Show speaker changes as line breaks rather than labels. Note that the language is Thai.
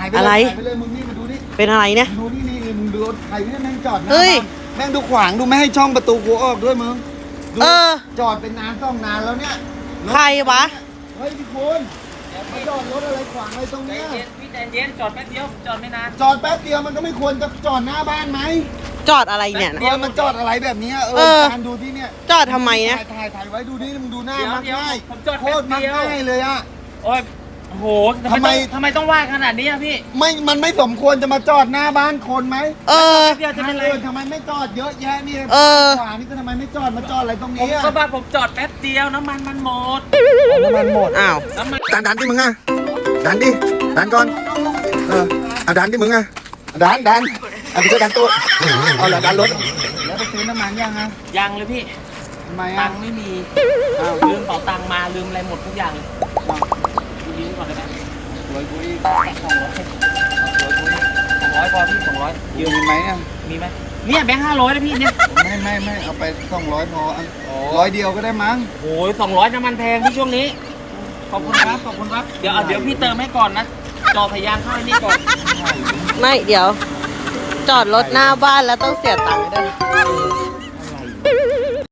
ไป
อะไร
ถ่ายไปเลยมึงนี่มาดูนี่
เป็นอะไรเนี่ย
ดูนี่มึงดูรถใครเนี่ยแม่งจอดหน้า
เฮ้ย
บ้านแม่งดูขวางดูไม่ให้ช่องประตูกูออกด้วยมึงดู
เออ
จอดเป็นนานต้องนานแล้วเนี่ย
ใครวะ
เฮ้ยพี่คุณมาจอดรถอะไรขวางอะไรตรง
ใจ
เนี้ย
เย็นพี่ใจเย็นจอดแป๊บเดียวจอดไม่นาน
จอดแป๊บเดียวมันก็ไม่ควรจะจอดหน้าบ้านไหม
จอดอะไรเนี่ย
เดี๋ยวมันจอดอะไรแบบเนี้ย
เออ
การดูที่เนี่ย
จอดทำไมเนี่ย
ถ่ายไว้ดูนี่มึงดูหน้า
เดี๋ยว
มัก
เดี๋ยว
ง่าย
ผมจอด
โค
แป๊
ต
บ
รมัก
เดียว
ง่ายเลยอะ
โอ้ยโอ้โห
ทำไม
ทำไมต้องว่าขนาดนี้อะพี่
มันไม่สมควรจะมาจอดหน้าบ้านคนไหม
เออ
เดียวจะเป็นไร
ทำไมไม่จอดเยอะแยะนี่
เออ
ขวานี่ก็ทำไมไม่จอดมาจอดอะไรตรง
ผม
นี้อะ
ก็บ้าผมจอดแป๊บเดียวน้ำมันมันหมด
น้ำมันหมด
อ้าว
น้ำมัน
ดันที่มึงอะดันดิดันก่อนเอาดันที่มึงอะดันเอาไปเจอดันตัวเอาเหรอดันรถแล้วไปซื้อน้ำมันยังอะ
ยังเลยพี่
ทำไม
ตั
อะ
งค์ไม่มีลืมเป๋าตังค์มาลืมอะไรหมดทุกอย่างเลยดูดีก่อนเลยนะ
สวยกูอีก
200พอพี่200
ยืมไหมเนี่ย
มีไหมเนี่ยแบงค์500นะพี่เนี่ย
ไม่เอาไป200พอ100เดียวก็ได้มั้ง
โอ้ย200น้ำมันแพงพี่ช่วงนี้ขอบคุณครับขอบคุณครับเดี๋ยวพี่เติมให้ก่อนนะจอพยานเข้าไอ้นี่ก่อน
ไม่เดี๋ยว จอดรถหน้าบ้านแล้วต้องเสียตังค์ด้วย